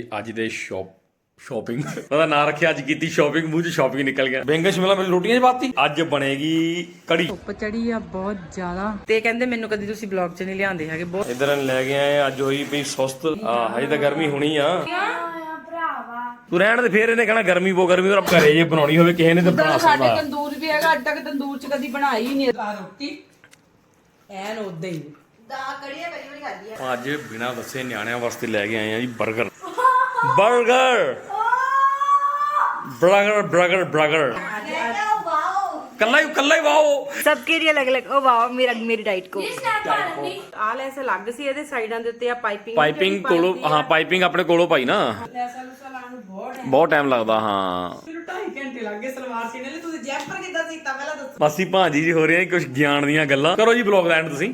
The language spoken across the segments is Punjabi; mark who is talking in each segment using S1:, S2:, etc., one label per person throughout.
S1: ਅੱਜ ਦੇ ਸ਼ਾਪਿੰਗ ਉਹਦਾ ਨਾਂ ਰੱਖਿਆ ਅੱਜ ਕੀਤੀ ਸ਼ਾਪਿੰਗ ਮੂੰਹ 'ਚ ਸ਼ਾਪਿੰਗ ਨਿਕਲ ਗਿਆ। ਬੈਂਗਣ ਸ਼ਿਮਲਾ ਮਿਰਚ ਰੋਟੀਆਂ 'ਚ ਪਾਤੀ। ਅੱਜ ਬਣੇਗੀ ਕੜੀ।
S2: ਧੁੱਪ ਚੜੀ ਆ ਬਹੁਤ ਜ਼ਿਆਦਾ ਤੇ ਕਹਿੰਦੇ ਮੈਨੂੰ ਕਦੀ ਤੁਸੀਂ ਬਲੌਗ 'ਚ ਨਹੀਂ ਲਿਆਂਦੇ ਹੈਗੇ। ਬਹੁਤ
S1: ਇਧਰ ਲੈ ਕੇ ਆਏ ਅੱਜ ਹੋਈ ਪਈ ਸੁਸਤ। ਹਜੇ ਤਾਂ ਗਰਮੀ ਹੋਣੀ ਆ। ਤੂੰ ਰਹਿਣ ਦੇ ਫੇਰ ਇਹਨੇ ਕਹਿਣਾ ਗਰਮੀ ਬਹੁਤ ਗਰਮੀ ਔਰ ਘਰੇ ਜੇ ਬਣਾਉਣੀ ਹੋਵੇ ਕਿਸੇ ਨੇ ਤਾਂ ਬਣਾ ਸਕਦਾ।
S2: ਸਾਡੇ ਤੰਦੂਰ ਵੀ ਹੈਗਾ, ਅੱਜ ਤੱਕ ਤੰਦੂਰ 'ਚ ਕਦੀ ਬਣਾਈ ਨਹੀਂ ਰੋਟੀ ਐਨ ਉਦਾਂ ਹੀ
S1: ਅੱਜ ਬਿਨਾਂ ਦੱਸੇ ਨਿਆਣਿਆਂ ਵਾਸਤੇ ਲੈ ਕੇ ਆਏ ਆ ਜੀ 버ਗਰ 버ਗਰ ਕੱਲਾ ਹੀ ਵਾਓ
S2: सबके लिए अलग अलग। ओ वाह मेरी डाइट को आल ऐसे ਲੱਗ ਸੀ ਇਹਦੇ ਸਾਈਡਾਂ ਦੇ ਉੱਤੇ ਆ
S1: ਪਾਈਪਿੰਗ ਕੋਲੋਂ। ਹਾਂ ਪਾਈਪਿੰਗ ਆਪਣੇ ਕੋਲੋਂ ਪਾਈ ਨਾ ਬਹੁਤ ਟਾਈਮ ਲੱਗਦਾ। ਹਾਂ
S2: 2.5 ਘੰਟੇ ਲੱਗ ਗਏ ਸਲਵਾਰ ਸੀਨੇ ਲਈ। ਤੁਸੀਂ ਜੈਪਰ ਕਿੱਦਾਂ ਸੀਤਾ ਪਹਿਲਾਂ ਦੱਸੋ।
S1: ਮਾਸੀ ਭਾਂਜੀ ਜੀ ਹੋ ਰਹੇ ਆ ਕੁਝ ਗਿਆਨ ਦੀਆਂ ਗੱਲਾਂ। ਕਰੋ ਜੀ ਬਲੌਗ ਦਾ ਐਂਡ ਤੁਸੀਂ।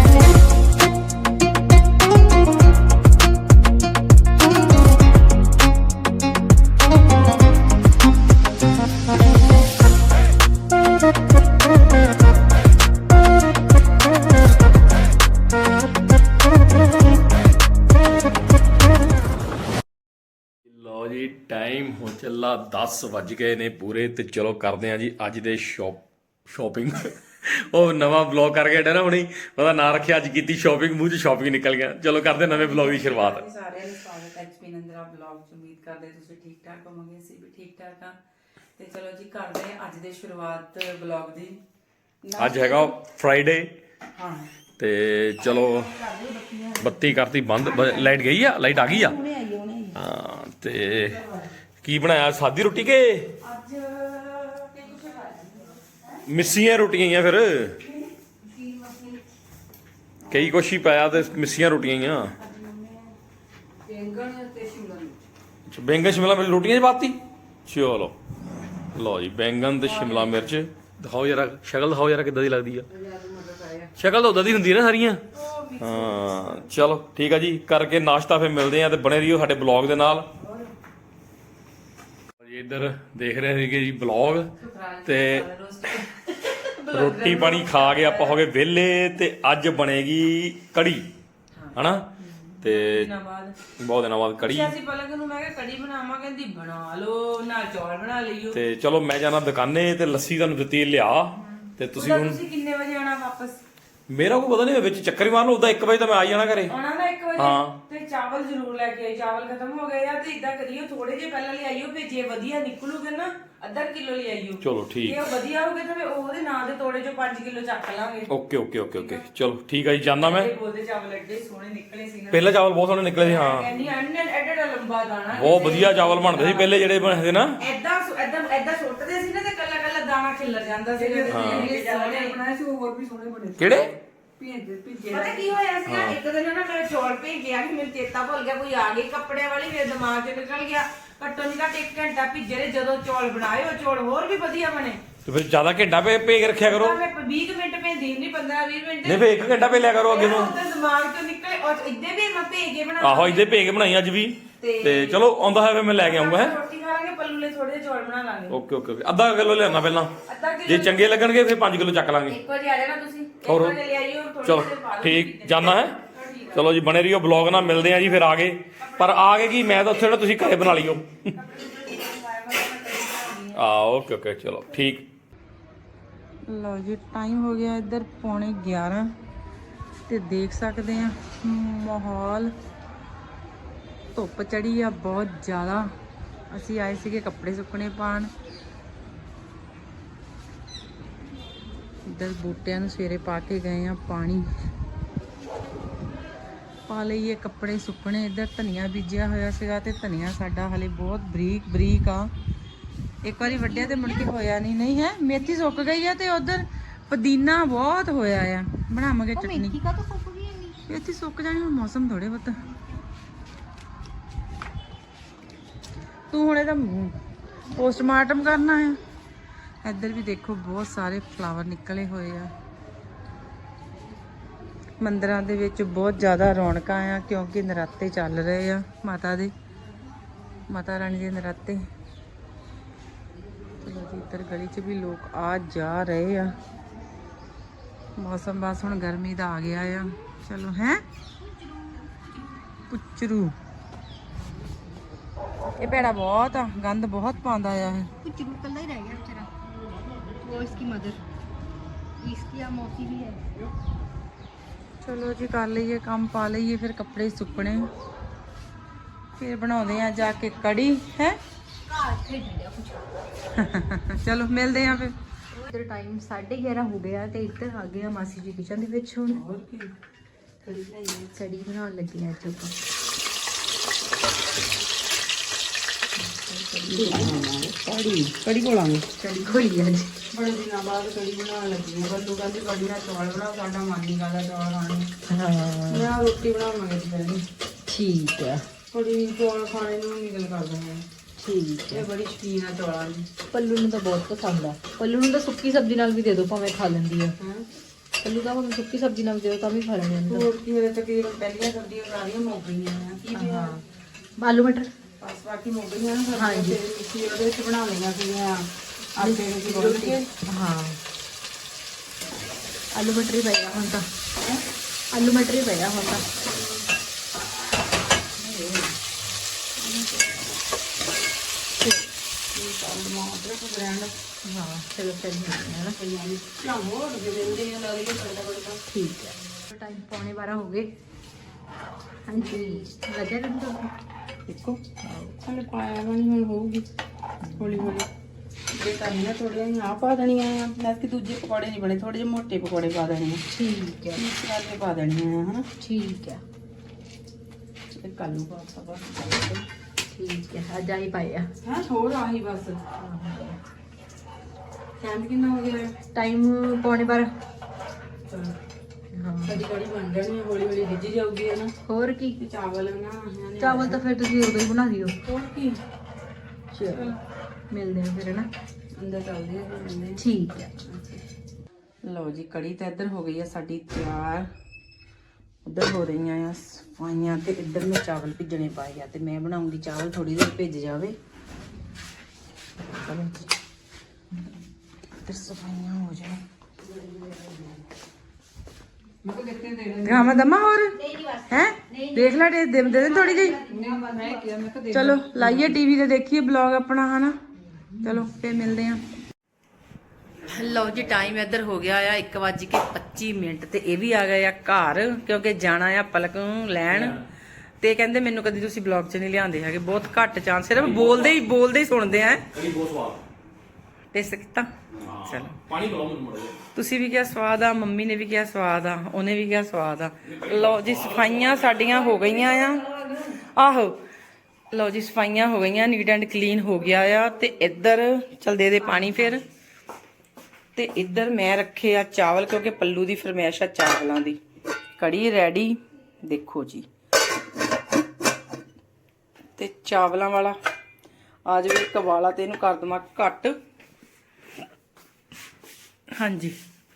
S1: ਲਓ ਜੀ ਟਾਈਮ ਹੋ ਚੱਲਾ 10 ਵੱਜ ਗਏ ਨੇ ਪੂਰੇ ਤੇ ਚਲੋ ਕਰਦੇ ਆ ਜੀ ਅੱਜ ਦੇ ਸ਼ਾਪਿੰਗ। ਉਹ ਨਵਾਂ ਵਲੌਗ ਕਰਕੇ ਹਟਿਆ ਨਾ ਹੁਣੀ ਉਹਦਾ ਨਾਂ ਰੱਖਿਆ ਅੱਜ ਕੀਤੀ ਸ਼ਾਪਿੰਗ ਮੂੰਹ 'ਚ ਸ਼ਾਪਿੰਗ ਨਿਕਲ ਗਿਆ। ਚਲੋ ਕਰਦੇ ਨਵੇਂ ਵਲੌਗ ਦੀ ਸ਼ੁਰੂਆਤ।
S2: ਸਾਰਿਆਂ ਨੂੰ ਸਵਾਗਤ ਹੈ ਐਚਪੀ ਨੰਦਰਾ ਵਲੌਗ 'ਚ। ਉਮੀਦ ਕਰਦੇ ਤੁਸੀਂ ਠੀਕ ਠਾਕ ਹੋਵੋਗੇ, ਅਸੀਂ ਵੀ ਠੀਕ ਠਾਕ ਆ। ਤੇ ਚਲੋ ਜੀ ਕਰਦੇ ਆ ਅੱਜ ਦੇ ਸ਼ੁਰੂਆਤ ਵਲੌਗ ਦੀ।
S1: ਅੱਜ ਹੈਗਾ ਫਰਾਈਡੇ
S2: ਹਾਂ
S1: ਤੇ ਚਲੋ ਬੱਤੀ ਕਰਤੀ ਬੰਦ। ਲਾਈਟ ਗਈ ਆ, ਲਾਈਟ ਆ ਗਈ ਆ। ਹਾਂ ਤੇ ਕੀ ਬਣਾਇਆ ਸਾਦੀ ਰੋਟੀ ਕੇ
S2: ਅੱਜ
S1: ਮਿੱਸੀਆਂ ਰੋਟੀਆਂ ਹੀ ਆ। ਫਿਰ ਕਈ ਕੁਛ ਹੀ ਪਾਇਆ ਤੇ ਮਿੱਸੀਆਂ ਰੋਟੀਆਂ ਹੀ ਆ। ਬੈਂਗਣ ਸ਼ਿਮਲਾ ਮਿਰਚ ਰੋਟੀਆਂ 'ਚ ਪਾਤੀ। ਚਲੋ ਲਓ ਜੀ ਬੈਂਗਣ ਤੇ ਸ਼ਿਮਲਾ ਮਿਰਚ ਦਿਖਾਓ ਯਾਰ, ਸ਼ਕਲ ਦਿਖਾਓ ਯਾਰ ਕਿੱਦਾਂ ਦੀ ਲੱਗਦੀ ਆ। ਸ਼ਕਲ ਤਾਂ ਉਦਾਂ ਦੀ ਹੁੰਦੀ ਹੈ ਨਾ ਸਾਰੀਆਂ। ਹਾਂ ਚਲੋ ਠੀਕ ਆ ਜੀ, ਕਰਕੇ ਨਾਸ਼ਤਾ ਫਿਰ ਮਿਲਦੇ ਆ ਤੇ ਬਣੇ ਰਹੀਓ ਸਾਡੇ ਬਲੌਗ ਦੇ ਨਾਲ। ਇੱਧਰ ਦੇਖ ਰਹੇ ਸੀਗੇ ਜੀ ਬਲੌਗ ਤੇ ਰੋਟੀ ਪਾਣੀ ਖਾ ਕੇ ਆਪਾਂ ਹੋ ਗਏ ਵਿਹਲੇ ਤੇ ਅੱਜ ਬਣੇਗੀ ਕੜੀ ਹਨਾ। ਤੇ ਬਹੁਤ ਦਿਨਾਂ ਬਾਅਦ ਕੜੀ।
S2: ਅਸੀਂ ਪਲਕ ਨੂੰ ਮੈਂ ਕਿਹਾ ਕੜੀ ਬਣਾਵਾਂ, ਕਹਿੰਦੀ ਬਣਾ ਲਓ ਨਾਲ ਚੌਲ ਬਣਾ ਲਈਓ।
S1: ਤੇ ਚਲੋ ਮੈਂ ਜਾਣਾ ਦੁਕਾਨੇ ਤੇ ਲੱਸੀ ਤੁਹਾਨੂੰ ਦਿੱਤੀ ਲਿਆ ਤੇ ਤੁਸੀਂ ਹੁਣ
S2: ਕਿੰਨੇ ਵਜੇ ਆਣਾ ਵਾਪਸ?
S1: ਮੇਰਾ ਕੋਈ ਪਤਾ ਨਹੀਂ, ਵਿੱਚ ਚੱਕਰ ਹੀ ਮਾਰ ਲਓ। ਉਦਾਂ 1 ਵਜੇ ਤਾਂ ਮੈਂ ਆ ਜਾਣਾ ਘਰੇ।
S2: ਆਉਣਾ ਨਾ 1 ਵਜੇ।
S1: ਹਾਂ
S2: ਤੇ ਚਾਵਲ ਜ਼ਰੂਰ ਲੈ ਕੇ ਆਈ। ਚਾਵਲ ਖਤਮ ਹੋ ਗਏ ਆ ਤੇ ਇਦਾਂ ਕਰੀਓ ਥੋੜੇ ਜਿਹੇ ਪਹਿਲਾਂ ਲਿਆਈਓ, ਫਿਰ ਜੇ ਵਧੀਆ ਨਿਕਲੂਗੇ ਨਾ ਅੱਧਾ ਕਿਲੋ ਲਿਆਈਓ।
S1: ਚਲੋ ਠੀਕ।
S2: ਜੇ ਉਹ ਵਧੀਆ ਹੋਗੇ ਤਾਂ ਉਹਦੇ ਨਾਂ ਦੇ ਤੋੜੇ ਚੋਂ 5 ਕਿਲੋ ਚੱਕ ਲਾਂਗੇ।
S1: ਓਕੇ ਚਲੋ ਠੀਕ ਆ ਜੀ, ਜਾਣਾ ਮੈਂ।
S2: ਬੋਲਦੇ ਚਾਵਲ ਐਡੇ ਸੋਹਣੇ ਨਿਕਲੇ ਸੀ ਨਾ।
S1: ਪਹਿਲਾਂ ਚਾਵਲ ਬਹੁਤ ਸੋਹਣੇ ਨਿਕਲੇ ਸੀ। ਹਾਂ
S2: ਕਹਿੰਦੀ ਐਡਾ ਲੰਬਾ ਦਾਣਾ
S1: ਬਹੁਤ ਵਧੀਆ ਚਾਵਲ ਬਣਦੇ ਸੀ ਪਹਿਲੇ ਜਿਹੜੇ ਬਣਦੇ ਨਾ।
S2: ਐਦਾਂ ਸੁੱਟਦੇ ਸੀ ਨਾ ਤੇ ਕੱਲਾ ਦਾਣਾ ਖਿੱਲਰ ਜਾਂਦਾ ਸੀ। ਸੋਹਣੇ ਬਣਾਏ ਸੀ, ਹੋਰ ਵੀ ਸੋਹਣੇ ਬਣੇ।
S1: ਕਿਹੜੇ
S2: ਪਤਾ ਕੀ ਹੋਇਆ ਸੀ ਨਾ, ਇੱਕ ਦਿਨ ਨਾ ਮੈਂ ਚੌਲ ਭੇਜਿਆ ਕਿ ਮੈਨੂੰ ਚੇਤਾ ਭੁੱਲ ਗਿਆ, ਕੋਈ ਆ ਗਈ ਕੱਪੜਿਆਂ ਵਾਲੀ, ਮੇਰੇ ਦਿਮਾਗ 'ਚ ਨਿਕਲ ਗਿਆ। ਘੱਟੋ ਨਹੀਂ ਘੱਟ 1 ਘੰਟਾ ਭਿੱਜੇ ਰਹੇ। ਜਦੋਂ ਚੌਲ ਬਣਾਏ ਉਹ ਚੌਲ ਹੋਰ ਵੀ ਵਧੀਆ ਬਣੇ।
S1: ਤੇ ਫਿਰ ਜ਼ਿਆਦਾ ਘੰਟਾ ਭੇਜ ਕੇ ਰੱਖਿਆ ਕਰੋ।
S2: ਮੈਂ 20 ਮਿੰਟ ਭੇਜਦੀ ਨਹੀਂ, 15-20 ਮਿੰਟ
S1: ਨਹੀਂ ਫਿਰ 1 ਘੰਟਾ ਭੇਜ ਲਿਆ ਕਰੋ ਅੱਗੇ ਨੂੰ।
S2: ਦਿਮਾਗ 'ਚੋਂ ਨਿਕਲੇ ਔਰ ਇੱਦੇ ਵੀ ਮੈਂ ਭੇਜ ਕੇ ਬਣਾ।
S1: ਆਹੋ ਇੱਦੇ ਭੇਜ ਕੇ ਬਣਾਈ ਅੱਜ ਵੀ। ਤੇ ਚਲੋ ਆਉਂਦਾ ਹੋਇਆ ਫਿਰ ਮੈਂ ਲੈ ਕੇ ਆਉਂਗਾ। ਹੈ
S2: ਰੋਟੀ ਖਾ ਲਾਂਗੇ, ਪੱਲੂ ਲਈ ਥੋੜੇ ਜਿਹੇ ਚੌਲ ਬਣਾ ਲਾਂਗੇ।
S1: ਓਕੇ ਅੱਧਾ ਕਿਲੋ ਲਿਆਉਣਾ ਪਹਿਲਾਂ, ਜੇ ਚੰਗੇ ਲੱਗਣਗੇ ਫਿਰ 5 ਕਿਲੋ ਚੱਕ ਲਾਂਗੇ।
S2: 1 ਵਜੇ ਆ ਜਾਣਾ ਤੁਸੀਂ। 1 ਵਜੇ ਲੈ ਆਈਓ।
S1: ਚਲੋ ਠੀਕ, ਜਾਣਾ ਹੈ। ਚਲੋ ਜੀ ਬਣੇ ਰਹੀਓ ਬਲੌਗ ਨਾਲ, ਮਿਲਦੇ ਆ ਜੀ ਫਿਰ ਆ ਗਏ। ਪਰ ਆ ਗਏ ਕੀ, ਮੈਂ ਤਾਂ ਉੱਥੇ ਤੁਸੀਂ ਘਰੇ ਬਣਾ ਲਿਓ। ਓਕੇ ਚਲੋ ਠੀਕ।
S2: ਲਓ ਜੀ ਟਾਈਮ ਹੋ ਗਿਆ ਇੱਧਰ 11:15 ਤੇ ਦੇਖ ਸਕਦੇ ਆ ਮਾਹੌਲ। ਧੁੱਪ ਚੜੀ ਆ ਬਹੁਤ ਜ਼ਿਆਦਾ। ਅਸੀਂ ਆਏ ਸੀਗੇ ਕੱਪੜੇ ਸੁੱਕਣੇ ਪਾਣ। ਇੱਧਰ ਬੂਟਿਆਂ ਨੂੰ ਸਵੇਰੇ ਪਾ ਕੇ ਗਏ ਆ ਪਾਣੀ। ਪਾ ਲਈਏ ਕੱਪੜੇ ਸੁੱਕਣੇ। ਇੱਧਰ ਧਨੀਆ ਬੀਜਿਆ ਹੋਇਆ ਸੀਗਾ ਤੇ ਧਨੀਆ ਸਾਡਾ ਹਲੇ ਬਹੁਤ ਬਰੀਕ ਆ। ਇੱਕ ਵਾਰੀ ਵੱਢਿਆ ਤੇ ਮੁੜ ਕੇ ਹੋਇਆ ਨਹੀਂ ਹੈ। ਮੇਥੀ ਸੁੱਕ ਗਈ ਆ ਤੇ ਉਧਰ ਪੁਦੀਨਾ ਬਹੁਤ ਹੋਇਆ ਆ। ਬਣਾਵਾਂਗੇ ਚਟਨੀ। ਮੇਥੀ ਸੁੱਕ ਜਾਣੀ, ਹੁਣ ਮੌਸਮ ਥੋੜੇ ਬਹੁਤ। ਤੂੰ ਹੁਣ ਇਹਦਾ ਪੋਸਟਮਾਰਟਮ ਕਰਨਾ ਆ। ਇੱਧਰ ਵੀ ਦੇਖੋ ਬਹੁਤ ਸਾਰੇ ਫਲਾਵਰ ਨਿਕਲੇ ਹੋਏ ਆ। ਮੰਦਿਰਾਂ ਦੇ ਵਿੱਚ ਬਹੁਤ ਜ਼ਿਆਦਾ ਰੌਣਕਾਂ ਆ ਕਿਉਂਕਿ ਨਰਾਤੇ ਚੱਲ ਰਹੇ ਆ ਮਾਤਾ ਰਾਣੀ ਦੇ ਨਰਾਤੇ। ਚਲੋ ਜੀ ਇੱਧਰ ਗਲੀ 'ਚ ਵੀ ਲੋਕ ਆ ਜਾ ਰਹੇ ਆ। ਮੌਸਮ ਬਸ ਹੁਣ ਗਰਮੀ ਦਾ ਆ ਗਿਆ ਆ। ਚਲੋ ਹੈ ਪੁੱਚਰੂ ਇਹ ਭੈੜਾ ਬਹੁਤ ਆ, ਗੰਦ ਬਹੁਤ ਪਾਉਂਦਾ ਆ ਇਹ।
S3: कुछ कल ही रह गया बेचारा, वो इसकी मदर, इसकी मौसी भी है।
S2: ਚਲੋ ਜੀ ਕਰ ਲਈਏ ਕੰਮ, ਪਾ ਲਈਏ ਫਿਰ ਕੱਪੜੇ ਸੁੱਕਣੇ, ਫਿਰ ਬਣਾਉਂਦੇ ਆ ਜਾ ਕੇ ਕੜੀ ਹੈ।
S3: ਘਰ ਖੇਡ ਲਿਆ ਕੁਝ।
S2: ਚਲੋ ਮਿਲਦੇ ਆ ਫਿਰ।
S3: ਇਧਰ ਟਾਈਮ 11:30 ਹੋ ਗਿਆ ਤੇ ਇੱਧਰ ਆ ਗਿਆ ਮਾਸੀ ਜੀ ਕਿਚਨ ਦੇ ਵਿੱਚ। ਹੁਣ
S2: ਹੋਰ ਕੀ
S3: ਕੜੀ ਬਣਾਉਣ ਲੱਗੀ ਆ ਅੱਜ ਆਪਾਂ।
S2: ਕੜੀ ਕੋਲਾਂਗੇ।
S3: ਕੜੀ ਖੋਲੀ ਅੱਜ
S2: ਬੜੇ ਦਿਨਾਂ ਬਾਅਦ ਕੜੀ ਬਣਾਉਣ ਲੱਗੀ ਆ। ਬੱਲੂ ਕਹਿੰਦੀ ਕੜੀ ਨਾਲ ਚੌਲ ਬਣਾਓ, ਸਾਡਾ ਮਨ ਨਹੀਂ ਕਰਦਾ ਚੌਲ ਖਾਣੇ।
S3: ਹਾਂ
S2: ਮੈਂ ਰੋਟੀ ਬਣਾਵਾਂਗੇ ਦੁਪਹਿਰੇ।
S3: ਠੀਕ ਆ
S2: ਕੜੀ ਚੌਲ ਖਾਣੇ ਨੂੰ ਨਹੀਂ ਦਿਲ ਕਰਦਾ ਹੈ।
S3: ਠੀਕ
S2: ਇਹ ਬੜੀ ਸ਼ੌਕੀਨ ਆ ਚੌਲਾਂ ਦੀ।
S3: ਪੱਲੂ ਨੂੰ ਤਾਂ ਬਹੁਤ ਪਸੰਦ ਆ। ਪੱਲੂ ਨੂੰ ਤਾਂ ਸੁੱਕੀ ਸਬਜ਼ੀ ਨਾਲ ਵੀ ਦੇ ਦਿਓ ਭਾਵੇਂ ਖਾ ਲੈਂਦੀ ਆ।
S2: ਹਾਂ
S3: ਪੱਲੂ ਤਾਂ ਭਾਵੇਂ ਸੁੱਕੀ ਸਬਜ਼ੀ ਨਾਲ ਦੇ ਦਿਓ ਤਾਂ ਵੀ ਖਾ ਲੈਂਦੀ ਆ।
S2: ਹੋਰ ਕੀ, ਮੇਰੇ ਤਕਰੀਬਨ ਪਹਿਲੀਆਂ ਸਬਜ਼ੀਆਂ ਸਾਰੀਆਂ ਮੁੱਕ ਗਈਆਂ ਆ। ਕੀ ਪਿਆ?
S3: ਹਾਂ ਆਲੂ ਮਟਰ।
S2: ਬਸ ਬਾਕੀ ਮੁੱਕ ਗਈਆਂ ਨਾ ਸਬਜ਼ੀਆਂ।
S3: ਹਾਂਜੀ।
S2: ਤੇ ਮਿੱਠੀ ਉਹਦੇ ਵਿੱਚ ਬਣਾ ਲਈਆਂ ਸੀਗੀਆਂ ਆਟੇ ਨੂੰ ਗੁੰਨ ਕੇ।
S3: ਹਾਂ ਆਲੂ ਮਟਰ ਹੀ ਪਏਗਾ ਹੁਣ ਤਾਂ। ਆਲੂ ਮਟਰ ਹੀ ਪਏਗਾ ਹੁਣ ਤਾਂ। ਹਾਂ ਚਲੋ ਫਿਰ ਹੈ ਨਾ। ਠੀਕ ਹੈ ਟਾਈਮ 11:15 ਹੋ ਗਏ। ਹਾਂਜੀ ਲੱਗਿਆ ਤੁਹਾਨੂੰ?
S2: ਦੇਖੋ ਹਲੇ ਪਾਇਆ ਨਹੀਂ, ਹੁਣ ਹੋਊਗੀ ਹੌਲੀ ਹੌਲੀ। ਇਹ ਤਾਂ ਨਹੀਂ ਨਾ ਥੋੜ੍ਹੀਆਂ ਜਿਹੀਆਂ ਆਹ ਪਾ ਦੇਣੀਆਂ ਆ। ਮੈਂ ਕਿ ਦੂਜੇ ਪਕੌੜੇ ਨਹੀਂ ਬਣੇ, ਥੋੜੇ ਜਿਹੇ ਮੋਟੇ ਪਕੌੜੇ ਪਾ ਦੇਣੇ ਆ।
S3: ਠੀਕ ਹੈ
S2: ਮਿਕਸ ਕਰਕੇ ਪਾ ਦੇਣੀਆਂ ਆ ਹਨਾ।
S3: ਠੀਕ ਹੈ
S2: ਇਹ ਕੱਲੂ ਪਾਤਾ ਬਸ।
S3: ਠੀਕ ਹੈ ਅੱਜ ਆਹੀ ਪਾਏ ਆ।
S2: ਹਾਂ ਹੋਰ ਆਹੀ ਬਸ। ਟਾਈਮ ਕਿੰਨਾ ਹੋ ਗਿਆ?
S3: ਟਾਈਮ 11:15।
S2: ਚਲੋ
S3: ਹਾਂ
S2: ਸਾਡੀ ਕੜੀ ਬਣ ਜਾਣੀ ਹੈ, ਹੌਲੀ ਹੌਲੀ ਰਿੱਝ ਜਾਊਗੀ ਹੈ ਨਾ।
S3: ਹੋਰ ਕੀ,
S2: ਤੇ ਚਾਵਲ ਨਾ
S3: ਚਾਵਲ ਤਾਂ ਫਿਰ ਤੁਸੀਂ ਉਦੋਂ ਹੀ ਬਣਾ ਦਿਓ।
S2: ਹੋਰ ਕੀ।
S3: ਚਲੋ ਮਿਲਦੇ ਹਾਂ ਫਿਰ ਨਾ।
S2: ਅੰਦਰ ਚੱਲਦੇ ਆ ਫਿਰ ਮਿਲਦੇ
S3: ਠੀਕ ਹੈ
S2: ਆ। ਲਓ ਜੀ ਕੜੀ ਤਾਂ ਇੱਧਰ ਹੋ ਗਈ ਆ ਸਾਡੀ ਤਿਆਰ। ਉੱਧਰ ਹੋ ਰਹੀਆਂ ਆ ਸਫਾਈਆਂ ਤੇ ਇੱਧਰ ਮੈਂ ਚਾਵਲ ਭਿੱਜਣੇ ਪਾਏ ਆ ਤੇ ਮੈਂ ਬਣਾਉਂਗੀ ਚਾਵਲ, ਥੋੜੀ ਦੇਰ ਭਿੱਜ ਜਾਵੇ। ਚਲੋ ਜੀ ਇੱਧਰ ਸਫਾਈਆਂ ਹੋ ਜਾਣ। ਗਾਮਾ ਦਮਾ ਹੋਰ ਹੈ ਦੇਖ ਲੈ ਦੇ ਦੇ ਥੋੜੀ ਜਿਹੀ। ਚਲੋ ਲਾਈਏ ਟੀਵੀ ਤੇ ਦੇਖੀਏ ਬਲੌਗ ਆਪਣਾ ਹਨਾ। ਚਲੋ ਫੇਰ ਮਿਲਦੇ ਆ। ਲਓ ਜੀ ਟਾਈਮ ਇੱਧਰ ਹੋ ਗਿਆ ਆ 1:25 ਤੇ ਇਹ ਵੀ ਆ ਗਏ ਆ ਘਰ, ਕਿਉਂਕਿ ਜਾਣਾ ਆ ਪਲਕ ਨੂੰ ਲੈਣ। ਤੇ ਕਹਿੰਦੇ ਮੈਨੂੰ ਕਦੀ ਤੁਸੀਂ ਬਲੌਗ 'ਚ ਨਹੀਂ ਲਿਆਉਂਦੇ ਹੈਗੇ, ਬਹੁਤ ਘੱਟ ਚਾਂਸ, ਸਿਰਫ ਬੋਲਦੇ ਹੀ ਸੁਣਦੇ ਆ।
S1: ਕੜੀ ਬਹੁਤ ਸਵਾਦ।
S2: ਟੇਸਟ ਕੀਤਾ? ਚਲੋ
S1: ਪਾਣੀ ਪਿਲਾਓ ਮੈਨੂੰ ਮੜਾ।
S2: ਤੁਸੀਂ ਵੀ ਕਿਹਾ ਸਵਾਦ ਆ, ਮੰਮੀ ਨੇ ਵੀ ਕਿਹਾ ਸਵਾਦ ਆ, ਉਹਨੇ ਵੀ ਕਿਹਾ ਸਵਾਦ ਆ। ਲਓ ਜੀ ਸਫਾਈਆਂ ਸਾਡੀਆਂ ਹੋ ਗਈਆਂ ਆ। ਆਹੋ ਲਓ ਜੀ ਸਫਾਈਆਂ ਹੋ ਗਈਆਂ, ਨੀਟ ਐਂਡ ਕਲੀਨ ਹੋ ਗਿਆ ਆ। ਤੇ ਇੱਧਰ ਚਲ ਦੇ ਪਾਣੀ ਫਿਰ। ਤੇ ਇੱਧਰ ਮੈਂ ਰੱਖੇ ਆ ਚਾਵਲ, ਕਿਉਂਕਿ ਪੱਲੂ ਦੀ ਫਰਮਾਇਸ਼ ਆ ਚਾਵਲਾਂ ਦੀ। ਕੜੀ ਰੈਡੀ ਦੇਖੋ ਜੀ। ਤੇ ਚਾਵਲਾਂ ਵਾਲਾ ਆ ਜਾਵੇ ਇੱਕ ਵਾਲਾ ਤੇ ਇਹਨੂੰ ਕਰ ਦਵਾਂ ਘੱਟ। ਹਾਂਜੀ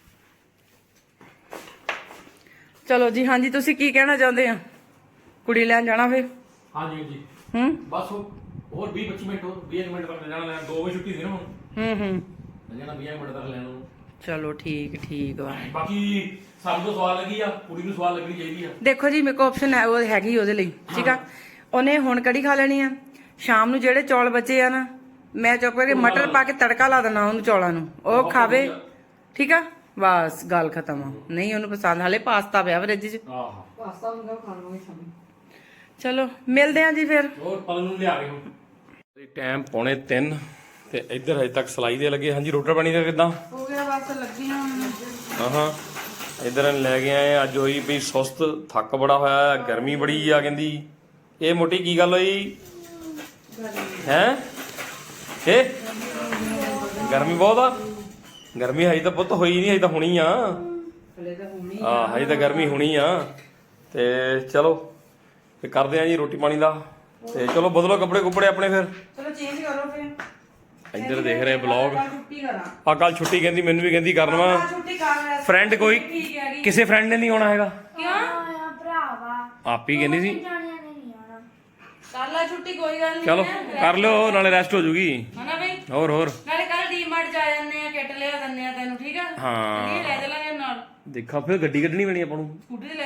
S2: ਚਲੋ ਜੀ। ਹਾਂਜੀ ਤੁਸੀਂ ਕੀ ਕਹਿਣਾ ਚਾਹੁੰਦੇ ਆ? ਕੁੜੀ ਲੈਣ ਜਾਣਾ ਫੇਰ?
S1: ਹਾਂਜੀ ਜੀ ਬਸ ਹੋਰ 20-25 ਮਿੰਟ, ਹੋਰ 20 ਮਿੰਟ ਤੱਕ ਜਾਣਾ ਲੈਣ। 2 ਵਜੇ ਛੁੱਟੀ ਸੀ ਨਾ ਹੁਣ। ਜਾਣਾ 20 ਮਿੰਟ ਤੱਕ ਲੈਣ ਨੂੰ।
S2: ਚਲੋ ਠੀਕ ਵਾ।
S1: ਬਾਕੀ ਸਾਨੂੰ ਤਾਂ ਸਵਾਲ ਲੱਗੀ ਆ, ਕੁੜੀ ਨੂੰ ਸਵਾਲ ਲੱਗਣੀ ਚਾਹੀਦੀ ਆ।
S2: ਦੇਖੋ ਜੀ ਮੇਰੇ ਕੋਲ ਆਪਸ਼ਨ ਹੈ, ਉਹ ਹੈਗੀ ਉਹਦੇ ਲਈ। ਠੀਕ ਆ, ਉਹਨੇ ਹੁਣ ਕੜੀ ਖਾ ਲੈਣੀ ਆ। ਸ਼ਾਮ ਨੂੰ ਜਿਹੜੇ ਚੌਲ ਬਚੇ ਆ ਨਾ, ਮੈਂ ਚੁੱਪ ਕਰਕੇ ਮਟਰ ਪਾ ਕੇ ਤੜਕਾ ਲਾ ਦੇਣਾ ਉਹਨੂੰ ਚੌਲਾਂ ਨੂੰ, ਉਹ ਖਾਵੇ। ਠੀਕ ਆ ਬਸ ਗੱਲ ਖਤਮ ਆ। ਨਹੀਂ ਉਹਨੂੰ ਪਸੰਦ, ਹਾਲੇ ਪਾਸਤਾ ਪਿਆ ਫਰਿੱਜ 'ਚ।
S1: ਆਹ
S2: ਪਾਸਤਾ ਹੁੰਦਾ ਖਾ ਲਵਾਂਗੇ ਸ਼ਾਮ। ਚਲੋ ਮਿਲਦੇ ਆ ਜੀ ਫਿਰ।
S1: ਹੋਰ ਪਲ ਨੂੰ ਲਿਆ ਕੇ ਹੁਣ। ਟਾਈਮ 2:45 ਤੇ ਇੱਧਰ ਹਜੇ ਤੱਕ ਸਲਾਈ ਦੇ ਲੱਗੇ। ਹਾਂਜੀ ਰੋਟੀ ਪਾਣੀ ਦਾ ਕਿੱਦਾਂ
S2: ਹੋ ਗਿਆ? ਬਸ ਲੱਗੀਆਂ
S1: ਹਾਂ ਇੱਧਰ ਲੈ ਕੇ ਆਏ। ਅੱਜ ਹੋਈ ਪਈ ਸੁਸਤ, ਥੱਕ ਬੜਾ ਹੋਇਆ, ਗਰਮੀ ਬੜੀ ਆ। ਕਹਿੰਦੀ ਇਹ ਮੋਟੀ ਕੀ ਗੱਲ ਹੋਈ ਹੈ? ਇਹ ਗਰਮੀ ਬਹੁਤ ਆ। ਗਰਮੀ ਹਜੇ ਤਾਂ ਪੁੱਤ ਹੋਈ ਨਹੀਂ, ਹਜੇ ਤਾਂ ਹੁਣੀ ਆ। ਹਜੇ ਤਾਂ ਗਰਮੀ ਹੁਣੀ ਆ। ਤੇ ਚਲੋ ਤੇ ਕਰਦੇ ਆ ਜੀ ਰੋਟੀ ਪਾਣੀ ਦਾ। ਤੇ ਚਲੋ ਬਦਲੋ ਕੱਪੜੇ ਕੁੱਪੜੇ ਆਪਣੇ ਫਿਰ।
S2: ਚਲੋ ਚੇਂਜ ਕਰੋ ਫਿਰ।
S1: ਇੱਧਰ ਦੇਖ ਰਹੇ ਬਲੌਗ।
S2: ਛੁੱਟੀ ਕਰਾਂ
S1: ਆ ਕੱਲ ਛੁੱਟੀ ਕਹਿੰਦੀ, ਮੈਨੂੰ ਵੀ ਕਹਿੰਦੀ ਕਰਨ ਵਾ।
S2: ਛੁੱਟੀ ਕਰ
S1: ਫਰੈਂਡ ਕੋਈ ਕਿਸੇ ਫਰੈਂਡ ਨੇ ਨਹੀਂ ਆਉਣਾ ਹੈਗਾ।
S3: ਕਿਉਂ ਭਰਾਵਾ
S1: ਆਪ ਹੀ ਕਹਿੰਦੀ ਸੀ
S3: ਜਾਣਿਆ ਨਹੀਂ ਆਣਾ।
S2: ਕਰ ਲੈ ਛੁੱਟੀ, ਕੋਈ ਗੱਲ ਨਹੀਂ।
S1: ਚਲੋ ਕਰ ਲਿਓ, ਨਾਲੇ ਰੈਸਟ ਹੋ ਜੂਗੀ।
S2: ਹਨਾ ਬਈ?
S1: ਹੋਰ
S2: ਨਾਲੇ ਕੱਲ ਡੀਮਾਰਟ ਜਾ ਜਾਂਦੇ ਆ, ਕਿੱਟ ਲਿਆ ਦਿੰਦੇ ਆ ਤੈਨੂੰ। ਠੀਕ ਆ
S1: ਹਾਂ
S2: ਇਹ ਲੈ ਚੱਲਾਂਗੇ ਨਾਲ।
S1: ਦੇਖਾ ਫਿਰ ਗੱਡੀ ਕੱਢਣੀ ਪੈਣੀ ਆਪਾਂ ਨੂੰ।
S2: ਸਕੂਟੀ ਤੇ ਲੈ ਜਾਂਦੇ ਨੇ ਭਰਾ।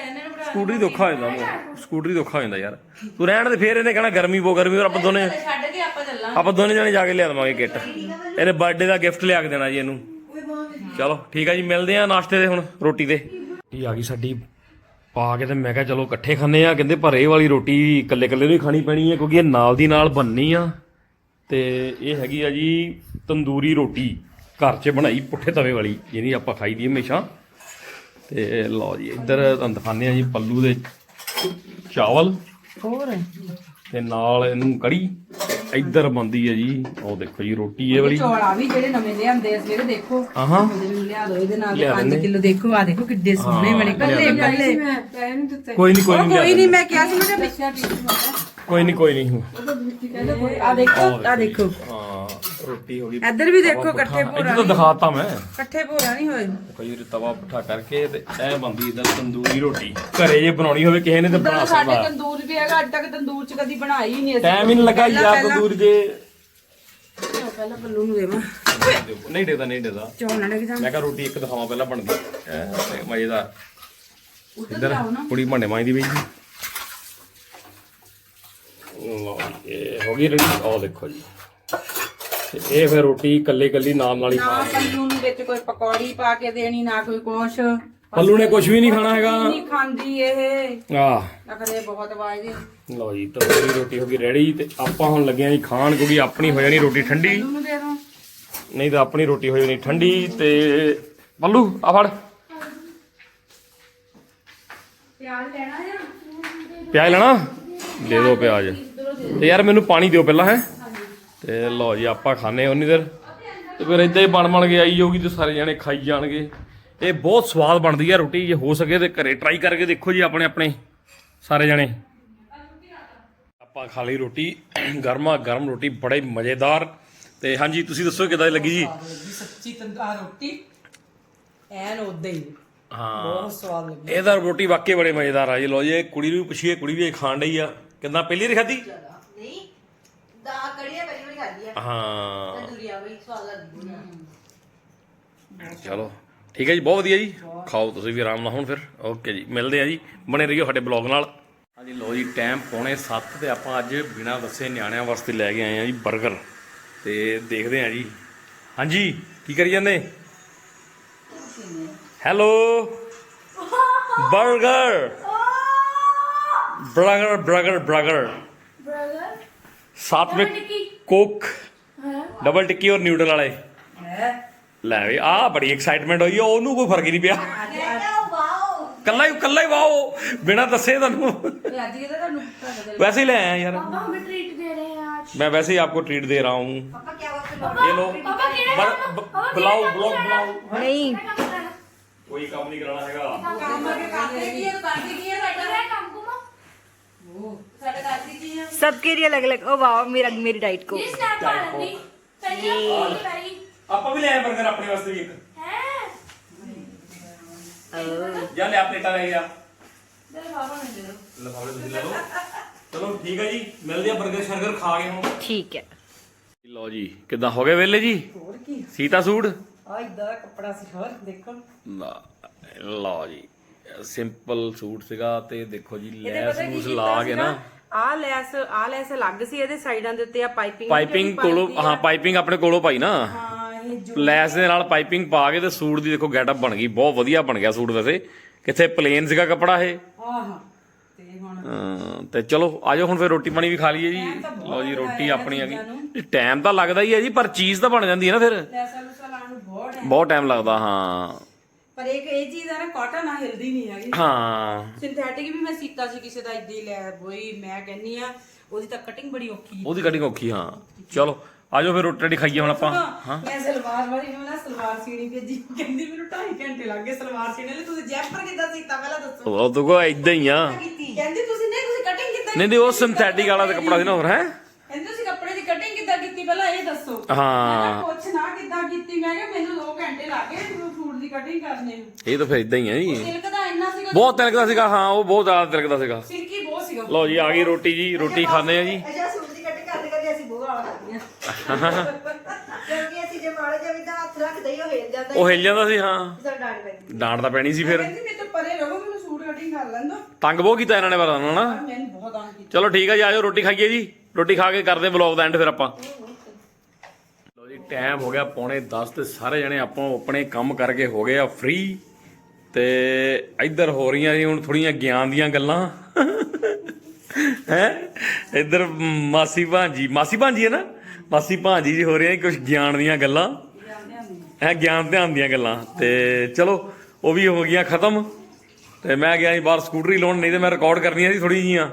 S1: ਸਕੂਟਰੀ ਤੋਂ ਔਖਾ ਹੋ ਜਾਂਦਾ ਸਕੂਟਰੀ ਤੋਂ ਔਖਾ ਹੋ ਜਾਂਦਾ ਯਾਰ ਤੂੰ ਰਹਿਣ ਦੇ ਫੇਰ ਇਹਨੇ ਕਹਿਣਾ ਗਰਮੀ ਬਹੁਤ ਗਰਮੀ ਔਰ ਆਪਾਂ ਦੋਨੇ
S2: ਛੱਡ ਕੇ ਆਪਾਂ ਚੱਲਾਂ
S1: ਆਪਾਂ ਦੋਨੇ ਜਣੇ ਜਾ ਕੇ ਲਿਆ ਦੇਵਾਂਗੇ ਕਿੱਟ ਇਹਦੇ ਬਰਥਡੇ ਦਾ ਗਿਫਟ ਲਿਆ ਕੇ ਦੇਣਾ ਜੀ ਇਹਨੂੰ ਚਲੋ ਠੀਕ ਆ ਜੀ ਮਿਲਦੇ ਆ ਨਾਸ਼ਤੇ ਦੇ ਹੁਣ ਰੋਟੀ ਤੇ ਇਹ ਆ ਗਈ ਸਾਡੀ ਪਾ ਕੇ ਤੇ ਮੈਂ ਕਿਹਾ ਚਲੋ ਇਕੱਠੇ ਖਾਂਦੇ ਆ ਕਹਿੰਦੇ ਪਰ ਇਹ ਵਾਲੀ ਰੋਟੀ ਇਕੱਲੇ ਇਕੱਲੇ ਨੂੰ ਹੀ ਖਾਣੀ ਪੈਣੀ ਹੈ ਕਿਉਂਕਿ ਇਹ ਨਾਲ ਦੀ ਨਾਲ ਬਣਨੀ ਆ ਤੇ ਇਹ ਹੈਗੀ ਆ ਜੀ ਤੰਦੂਰੀ ਰੋਟੀ ਘਰ 'ਚ ਬਣਾਈ ਪੁੱਠੇ ਤਵੇ ਵਾਲੀ ਜਿਹਦੀ ਆਪਾਂ ਖਾਈ ਦੀ ਹਮੇਸ਼ਾ ਤੇ ਲਓ ਜੀ ਇੱਧਰ ਤੁਹਾਨੂੰ ਦਿਖਾਉਂਦੇ ਆ ਜੀ ਪੱਲੂ ਦੇ ਚਾਵਲ
S2: ਹੋਰ
S1: ਤੇ ਨਾਲ ਇਹਨੂੰ ਕੜੀ ਇੱਧਰ ਬਣਦੀ ਹੈ ਜੀ ਉਹ ਦੇਖੋ ਜੀ ਰੋਟੀ ਇਹ ਵਾਲੀ
S2: ਚੌਲਾ ਵੀ ਜਿਹੜੇ ਨਵੇਂ ਲਿਆਂਦੇ ਆ ਸਵੇਰੇ ਦੇਖੋ
S1: ਆਹਾਂ
S2: ਮੈਨੂੰ ਲਿਆ ਦੋ ਇਹਦੇ ਨਾਲ
S1: ਲਿਆ
S2: 5
S1: ਦਿੰਦੇ।
S2: ਕਿਲੋ ਦੇਖੋ ਆ ਦੇਖੋ ਕਿੱਡੇ ਸੋਹਣੇ ਬਣੇ ਕੱਲੇ ਕੱਲੇ
S1: ਕੋਈ ਨਹੀਂ
S2: ਕੋਈ ਨਹੀਂ ਮੈਂ ਕਿਹਾ ਸੀ ਮੈਂ ਕਿਹਾ
S1: ਕੋਈ ਨਹੀਂ
S2: ਆ ਦੇਖੋ ਆ ਦੇਖੋ
S1: ਹਾਂ ਰੋਟੀ ਹੋ ਗਈ
S2: ਇੱਧਰ ਵੀ ਦੇਖੋ ਇਕੱਠੇ
S1: ਇੱਧਰ
S2: ਭੋਰਾ
S1: ਤਾਂ ਦਿਖਾਤਾ ਮੈਂ
S2: ਇਕੱਠੇ ਭੋਰਾ ਨਹੀਂ ਹੋਏ
S1: ਕੋਈ ਤਵਾ ਪੁੱਠਾ ਕਰਕੇ ਤੇ ਇਹ ਬਣਦੀ ਇਦਾਂ ਤੰਦੂਰੀ ਰੋਟੀ ਘਰੇ ਜੇ ਬਣਾਉਣੀ ਹੋਵੇ ਕਿਸੇ ਨੇ ਤਾਂ ਬਣਾ
S2: ਸਾਡੇ
S1: ਸਕਦਾ
S2: ਤੰਦੂਰ ਵੀ ਹੈਗਾ ਅੱਜ ਤੱਕ ਤੰਦੂਰ ਚ ਕਦੀ ਬਣਾਈ ਹੀ ਨਹੀਂ ਅਸੀਂ
S1: ਟਾਈਮ ਹੀ ਨਹੀਂ ਲੱਗਾ ਯਾਰ ਤੰਦੂਰ ਜੇ
S2: ਪਹਿਲਾਂ ਪੱਲੂ ਨੂੰ ਦੇਵਾਂ
S1: ਨਹੀਂ ਦੇਦਾ
S2: ਚੌਲ ਨਾ ਲੱਗ ਜਾਣ
S1: ਮੈਂ ਕਿਹਾ ਰੋਟੀ ਇੱਕ ਦਿਖਾਵਾਂ ਪਹਿਲਾਂ ਬਣਦੀ ਤੇ ਮਜ਼ੇਦਾਰ ਇੱਧਰ ਕੁੜੀ ਭਾਂਡੇ ਮਾਂਜਦੀ ਪਈ ਜੀ ਲਓ ਜੀ, ਇਹ ਹੋ ਗਈ ਰੈਡੀ ਆਹ ਦੇਖੋ ਜੀ ਤੇ ਇਹ ਫਿਰ ਰੋਟੀ ਕੱਲੇ ਨਾਲ ਹੀ
S2: ਨਾ ਪੱਲੂ ਨੂੰ ਵਿੱਚ ਕੋਈ ਪਕੌੜੀ ਪਾ ਕੇ ਦੇਣੀ ਨਾ ਕੋਈ ਕੁਛ
S1: ਪੱਲੂ ਨੇ ਕੁਝ ਵੀ ਨਹੀਂ ਖਾਣਾ ਹੈਗਾ
S2: ਨਹੀਂ ਖਾਂਦੀ ਇਹ
S1: ਆਹ
S2: ਅਖਰੇ ਬਹੁਤ ਵਾਜਦੇ
S1: ਲਓ ਜੀ ਤੰਦੂਰੀ ਰੋਟੀ ਹੋ ਗਈ ਰੈਡੀ ਤੇ ਆਪਾਂ ਹੁਣ ਲੱਗੇ ਆਂ ਜੀ ਖਾਣ ਕਿਉਂਕਿ ਆਪਣੀ ਹੋ ਜਾਣੀ ਰੋਟੀ ਠੰਡੀ
S2: ਪੱਲੂ ਨੂੰ ਦੇ ਦੋ
S1: ਨਹੀਂ ਤਾਂ ਆਪਣੀ ਰੋਟੀ ਹੋ ਜਾਣੀ ਠੰਡੀ ਤੇ ਪੱਲੂ ਆ ਫੜ
S3: ਪਿਆਜ਼ ਲੈਣਾ ਜਾਂ
S1: ਪਿਆਜ਼ ਲੈਣਾ ਦੇ ਦਿਓ ਪਿਆਜ਼ ਤੇ ਯਾਰ ਮੈਨੂੰ ਪਾਣੀ ਦਿਓ ਪਹਿਲਾਂ ਹੈ ਤੇ ਲਓ ਜੀ ਆਪਾਂ ਖਾਣੇ ਉਨੀ ਦੇਰ ਤੇ ਫਿਰ ਇਦਾਂ ਹੀ ਬਣ ਕੇ ਆਈ ਜਾਊਗੀ ਤੇ ਸਾਰੇ ਜਣੇ ਖਾਈ ਜਾਣਗੇ ਇਹ ਬਹੁਤ ਸਵਾਦ ਬਣਦੀ ਹੈ ਰੋਟੀ ਜੇ ਹੋ ਸਕੇ ਤੇ ਘਰੇ ਟਰਾਈ ਕਰਕੇ ਦੇਖੋ ਜੀ ਆਪਣੇ ਸਾਰੇ ਜਣੇ ਆਪਾਂ ਖਾ ਲਈ ਰੋਟੀ ਗਰਮਾ ਗਰਮ ਰੋਟੀ ਬੜੇ ਮਜ਼ੇਦਾਰ ਤੇ ਹਾਂਜੀ ਤੁਸੀਂ ਦੱਸੋ ਕਿਦਾਂ ਦੀ ਲੱਗੀ ਜੀ
S2: ਸੱਚੀ ਤੰਦੂਰ ਰੋਟੀ ਐਨ ਉਦਾਂ ਹੀ
S1: ਹਾਂ
S2: ਬਹੁਤ ਸਵਾਦ ਲੱਗੀ
S1: ਇਹਦਾ ਰੋਟੀ ਵਾਕਈ ਬੜੇ ਮਜ਼ੇਦਾਰ ਆ ਜੀ ਲਓ ਜੀ ਕੁੜੀ ਨੂੰ ਪੁੱਛੀਏ ਕੁੜੀ ਵੀ ਇਹ ਖਾਣ ਡਈ ਆ ਕਿੰਨਾ ਪਹਿਲੀ ਵਾਰ ਖਾਧੀ
S2: ਨਹੀਂ ਦਾ ਕੜੀਆ ਪਹਿਲੀ ਵਾਰੀ ਖਾਧੀ ਆ
S1: ਹਾਂ
S2: ਤੰਦੂਰੀਆ ਬਈ ਸਵਾਦ ਲੱਗਦੀ
S1: ਚਲੋ ਠੀਕ ਹੈ ਜੀ ਬਹੁਤ ਵਧੀਆ ਜੀ ਖਾਓ ਤੁਸੀਂ ਵੀ ਆਰਾਮ ਨਾਲ ਹੁਣ ਫਿਰ ਓਕੇ ਜੀ ਮਿਲਦੇ ਆ ਜੀ ਬਣੇ ਰਹੀਓ ਸਾਡੇ ਬਲੌਗ ਨਾਲ ਹਾਂਜੀ ਲਓ ਜੀ ਟਾਈਮ 7:45 ਤੇ ਆਪਾਂ ਅੱਜ ਬਿਨਾਂ ਦੱਸੇ ਨਿਆਣਿਆਂ ਵਾਸਤੇ ਲੈ ਕੇ ਆਏ ਆ ਜੀ 버ਗਰ ਤੇ ਦੇਖਦੇ ਆ ਜੀ ਹਾਂਜੀ ਕੀ ਕਰੀ ਜਾਂਦੇ ਹੈਲੋ 버ਗਰ ਬਰਗਰ साथ में कोक डबल टिक्की और न्यूडल वाले ਲੈ ਵੀ ਆ ਬੜੀ ਐਕਸਾਈਟਮੈਂਟ ਹੋਈ ਉਹਨੂੰ ਕੋਈ ਫਰਕ ਹੀ ਨਹੀਂ ਪਿਆ ਕੱਲਾ ਹੀ ਵਾਓ ਬਿਨਾਂ ਦੱਸੇ ਤੁਹਾਨੂੰ वैसे ही ले आया यार
S3: पापा हमें ट्रीट दे रहे हैं आज
S1: मैं वैसे ही आपको ट्रीट दे रहा हूँ ये लो बुलाओ ब्लॉग बुलाओ
S2: नहीं
S1: कोई काम नहीं कराना हैगा
S2: काम करके करते की है तो करते की है साਡਾ
S3: काम को
S2: वो साਡਾ करते की है
S4: सबके लिए अलग अलग ओ वाह मेरी डाइट को
S3: ये स्नैप आ रही पहले पहले
S1: ਆਪਾਂ ਵੀ ਲੈ ਆਏ 버ਗਰ ਆਪਣੇ ਵਾਸਤੇ ਵੀ ਇੱਕ
S3: है
S1: ਜਾਂ ਲੈ ਪਲੇਟਾਂ ਲੈ ਗਿਆ
S2: चल बाबा ने दे दो
S1: ਲਫਾਵੇ ਤੁਸੀਂ ਲੈ ਲਓ ਚਲੋ ਠੀਕ ਹੈ ਜੀ ਮਿਲਦੇ ਆ 버ਗਰ ਸ਼ਰਗਰ ਖਾ ਕੇ ਹੁਣ
S4: ठीक है
S1: ਲਓ ਜੀ ਕਿੱਦਾਂ ਹੋ ਗਏ ਵੇਲੇ ਜੀ
S2: ਹੋਰ ਕੀ
S1: ਸੀਤਾ ਸੂਟ
S2: ਆ ਇਦਾਂ ਕੱਪੜਾ ਸੀ ਹੋਰ ਦੇਖੋ
S1: ਲਓ ਜੀ ਸਿੰਪਲ ਸੂਟ ਸੀਗਾ ਤੇ ਦੇਖੋ ਜੀ ਲੈਸ ਨੂਸ ਲਾ ਕੇ ਨਾ
S2: ਆ ਲੈਸ ਅਲੱਗ ਸੀ ਇਹਦੇ ਸਾਈਡਾਂ ਦੇ ਉੱਤੇ ਆ
S1: ਪਾਈਪਿੰਗ ਕੋਲੋਂ ਹਾਂ ਪਾਈਪਿੰਗ ਆਪਣੇ ਕੋਲੋਂ ਪਾਈ ਨਾ
S2: ਹਾਂ ਇਹ ਜੋ
S1: ਲੈਸ ਦੇ ਨਾਲ ਪਾਈਪਿੰਗ ਪਾ ਕੇ ਤੇ ਸੂਟ ਦੀ ਦੇਖੋ ਗੈਟਅਪ ਬਣ ਗਈ ਬਹੁਤ ਵਧੀਆ ਬਣ ਗਿਆ ਸੂਟ ਵੈਸੇ ਕਿੱਥੇ ਪਲੇਨ ਸੀਗਾ ਕੱਪੜਾ ਇਹ
S2: ਆਹ ਤੇ ਹੁਣ
S1: ਤੇ ਚਲੋ ਆਜੋ ਹੁਣ ਫਿਰ ਰੋਟੀ ਪਾਣੀ ਵੀ ਖਾ ਲਈਏ ਜੀ ਲਓ ਜੀ ਰੋਟੀ ਆਪਣੀ ਆ ਗਈ ਟਾਈਮ ਤਾਂ ਲੱਗਦਾ ਹੀ ਹੈ ਜੀ ਪਰ ਚੀਜ਼ ਤਾਂ ਬਣ ਜਾਂਦੀ ਹੈ ਨਾ ਫਿਰ
S2: ਲੈਸਾਂ ਲੂਸਾਂ ਲਾਉਣ ਨੂੰ ਬਹੁਤ
S1: ਬਹੁਤ ਟਾਈਮ ਲੱਗਦਾ ਹਾਂ
S2: ਪਰ ਇਹ ਚੀਜ਼ ਆ ਨਾ ਕਾਟਨ ਆ ਹਿਲਦੀ ਨਹੀਂ ਹੈਗੀ
S1: ਹਾਂ
S2: ਸਿੰਥੈਟਿਕ ਵੀ ਮੈਂ ਸੀਤਾ ਸੀ ਕਿਸੇ ਦਾ ਇਦਾਂ ਹੀ ਲੈ ਬੋਈ ਮੈਂ ਕਹਿੰਨੀ ਆ ਉਹਦੀ ਤਾਂ ਕਟਿੰਗ ਬੜੀ ਔਖੀ
S1: ਉਹਦੀ ਕਟਿੰਗ ਔਖੀ ਹਾਂ ਚਲੋ ਆਜੋ ਫਿਰ ਰੋਟੀ ਖਾਈਏ ਹੁਣ ਆਪਾਂ ਹਾਂ
S2: ਮੈਂ ਸਲਵਾਰ ਵਾਲੀ ਨੂੰ ਨਾ ਸਲਵਾਰ ਸੀਣੀ ਭੇਜੀ ਕਹਿੰਦੀ ਮੈਨੂੰ 2.5 ਘੰਟੇ ਲੱਗ ਗਏ ਸਲਵਾਰ ਸੀਣੇ ਲਈ ਤੁਸੀਂ ਜੈਪਰ ਕਿੱਦਾਂ ਸੀਤਾ ਪਹਿਲਾਂ ਦੱਸੋ
S1: ਉਹ ਤਾਂ ਕੋ ਇਦਾਂ ਹੀ ਆ
S2: ਕਹਿੰਦੀ ਤੁਸੀਂ ਕਟਿੰਗ ਕਿੱਦਾਂ
S1: ਨਹੀਂ ਉਹ ਸਿੰਥੈਟਿਕ ਵਾਲਾ ਤੇ ਕੱਪੜਾ ਸੀ ਨਾ ਹੋਰ ਹੈ
S2: ਕਹਿੰਦੀ ਤੁਸੀਂ ਕੱਪੜੇ ਦੀ ਕਟਿੰਗ ਕਿੱਦਾਂ ਕੀਤੀ ਪਹਿਲਾਂ ਇਹ ਦੱਸੋ
S1: ਹਾਂ
S2: ਪੁੱਛ ਨਾ ਕਿੱਦਾਂ ਕੀਤੀ ਮੈਂ ਕਿਹਾ ਮੈਨੂੰ 2 ਘੰਟੇ ਲੱਗ ਗਏ ਸੂਟ ਦੀ ਕਟਿੰਗ ਕਰਨੇ ਨੂੰ
S1: ਇਹ ਤਾਂ ਫਿਰ ਇਦਾਂ ਹੀ ਆ ਜੀ
S2: ਸਿਲਕ ਦਾ ਇੰਨਾ ਸੀਗਾ
S1: ਬਹੁਤ ਤਿਲਕਦਾ ਸੀਗਾ ਹਾਂ ਉਹ ਬਹੁਤ ਜ਼ਿਆਦਾ ਤਿਲਕਦਾ ਸੀਗਾ
S2: ਸਿਲਕੀ ਬਹੁਤ ਸੀਗਾ
S1: ਲਓ ਜੀ ਆ ਗਈ ਰੋਟੀ ਜੀ ਰੋਟੀ ਖਾਂਦੇ ਆ ਜੀ
S5: ਅੱਛਾ ਸੂਟ ਦੀ ਕਟਿੰਗ ਕਰਦੇ ਅਸੀਂ ਬਹੁਤ ਵਾਲਾ ਖਾਂਦੀਆਂ ਕਿਉਂਕਿ ਅਸੀਂ ਜੇ ਮਾੜੇ ਜਿਹਾ ਵੀ ਤਾਂ ਹੱਥ ਰੱਖਦੇ ਹੀ ਉਹ ਹਿਲ ਜਾਂਦਾ
S1: ਉਹ ਹਿੱਲ ਜਾਂਦਾ ਸੀ ਹਾਂ
S5: ਸਰ ਡਾਂਟ ਪੈਂਦੀ
S1: ਡਾਂਟ ਤਾਂ ਪੈਣੀ ਸੀ ਫਿਰ
S2: ਕਹਿੰਦੀ ਮੇਰੇ ਤੋਂ ਪਰੇ ਰਹੋ ਮੈਨੂੰ ਸੂਟ ਕਟਿੰਗ ਕਰ ਲੈਂਦੋ
S1: ਤੰਗ ਬਹੁਤ ਕੀਤਾ ਇਹਨਾਂ ਨੇ ਪਰ ਨਾ
S2: ਮੈਨੂੰ ਬਹੁਤ ਤੰਗ ਕੀਤਾ
S1: ਚਲੋ ਠੀਕ ਆ ਜੀ, ਆਜੋ ਰੋਟੀ ਖਾਈਏ ਜੀ। ਰੋਟੀ ਖਾ ਕੇ ਕਰਦੇ ਵਲੌਗ ਦਾ ਐਂਡ ਫਿਰ ਆਪਾਂ। ਲੋ ਜੀ ਟਾਈਮ ਹੋ ਗਿਆ 9:45 ਤੇ ਸਾਰੇ ਜਣੇ ਆਪੋ ਆਪਣੇ ਕੰਮ ਕਰਕੇ ਹੋ ਗਏ ਆ ਫ੍ਰੀ ਤੇ ਇੱਧਰ ਹੋ ਰਹੀਆਂ ਜੀ ਹੁਣ ਥੋੜੀਆਂ ਗਿਆਨ ਦੀਆਂ ਗੱਲਾਂ ਹੈ। ਇੱਧਰ ਮਾਸੀ ਭਾਂਜੀ ਹੈ ਨਾ, ਮਾਸੀ ਭਾਂਜੀ ਜੀ ਹੋ ਰਹੀਆਂ ਕੁਝ ਗਿਆਨ ਦੀਆਂ ਗੱਲਾਂ ਹੈ, ਗਿਆਨ ਧਿਆਨ ਦੀਆਂ ਗੱਲਾਂ। ਤੇ ਚਲੋ ਉਹ ਵੀ ਹੋ ਗਈਆਂ ਖਤਮ ਤੇ ਮੈਂ ਗਿਆ ਜੀ ਬਾਹਰ ਸਕੂਟਰੀ ਲਾਉਣ, ਨਹੀਂ ਤੇ ਮੈਂ ਰਿਕਾਰਡ ਕਰਨੀਆਂ ਸੀ ਥੋੜੀ ਜੀਆਂ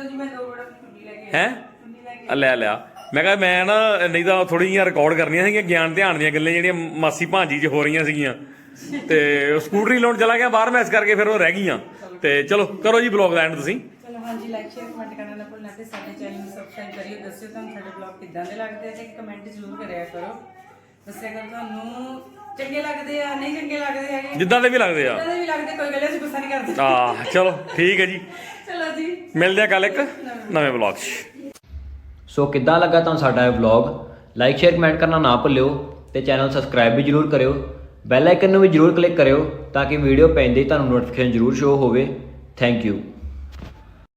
S1: ਹੈ। ਲੈ ਲਿਆ ਮੈਂ ਕਿਹਾ ਮੈਂ ਨਾ, ਨਹੀਂ ਤਾਂ ਥੋੜੀ ਜਿਹੀਆਂ ਰਿਕਾਰਡ ਕਰਨੀਆਂ ਸੀਗੀਆਂ ਗਿਆਨ ਧਿਆਨ ਦੀਆਂ ਗੱਲਾਂ ਜਿਹੜੀਆਂ ਮਾਸੀ ਭਾਂਜੀ 'ਚ ਹੋ ਰਹੀਆਂ ਸੀਗੀਆਂ ਤੇ ਸਕੂਟਰੀ ਲਾਉਣ ਚਲਾ ਗਿਆ ਬਾਹਰ, ਮੈਂ ਇਸ ਕਰਕੇ ਫਿਰ ਉਹ ਰਹਿ ਗਈਆਂ। ਤੇ ਚਲੋ ਕਰੋ ਜੀ ਬਲੌਗ ਦਾ ਐਂਡ ਤੁਸੀਂ।
S2: ਚਲੋ ਹਾਂਜੀ, ਲਾਈਕ ਸ਼ੇਅਰ ਕਮੈਂਟ ਕਰਨਾ ਨਾ ਭੁੱਲਣਾ ਤੇ ਸਾਡੇ ਚੈਨਲ ਨੂੰ ਸਬਸਕ੍ਰਾਈਬ ਕਰਿਓ। ਦੱਸਿਓ ਤੁਹਾਨੂੰ ਸਾਡੇ ਬਲੌਗ ਕਿੱਦਾਂ ਦੇ ਲੱਗਦੇ ਤੇ ਕਮੈਂਟ ਜ਼ਰੂਰ ਕਰਿਆ ਕਰੋ। ਦੱਸਿਆ ਕਰੋ ਤੁਹਾਨੂੰ ਚੰਗੇ ਲੱਗਦੇ ਆ ਨਹੀਂ ਚੰਗੇ ਲੱਗਦੇ ਹੈਗੇ,
S1: ਜਿੱਦਾਂ ਦੇ ਵੀ ਲੱਗਦੇ ਆ,
S2: ਜਿੱਦਾਂ ਦੇ ਵੀ ਲੱਗਦੇ, ਕੋਈ ਗੱਲ ਅਸੀਂ ਗੁੱਸਾ ਨਹੀਂ ਕਰਦੇ।
S1: ਚਲੋ ਠੀਕ ਹੈ ਜੀ,
S2: ਚਲੋ ਜੀ
S1: ਮਿਲਦੇ ਆ ਕੱਲ ਇੱਕ ਨਵੇਂ ਬਲੌਗ 'ਚ।
S6: ਸੋ ਕਿੱਦਾਂ ਲੱਗਾ ਤੁਹਾਨੂੰ ਸਾਡਾ ਇਹ ਵਲੌਗ? ਲਾਈਕ ਸ਼ੇਅਰ ਕਮੈਂਟ ਕਰਨਾ ਨਾ ਭੁੱਲਿਓ ਤੇ ਚੈਨਲ ਸਬਸਕ੍ਰਾਈਬ ਵੀ ਜਰੂਰ ਕਰਿਓ। ਬੈਲ ਆਈਕਨ ਨੂੰ ਵੀ ਜਰੂਰ ਕਲਿੱਕ ਕਰਿਓ ਤਾਂ ਕਿ ਵੀਡੀਓ ਪੈਂਦੇ ਹੀ ਤੁਹਾਨੂੰ ਨੋਟੀਫਿਕੇਸ਼ਨ ਜਰੂਰ ਸ਼ੋ ਹੋਵੇ। Thank you.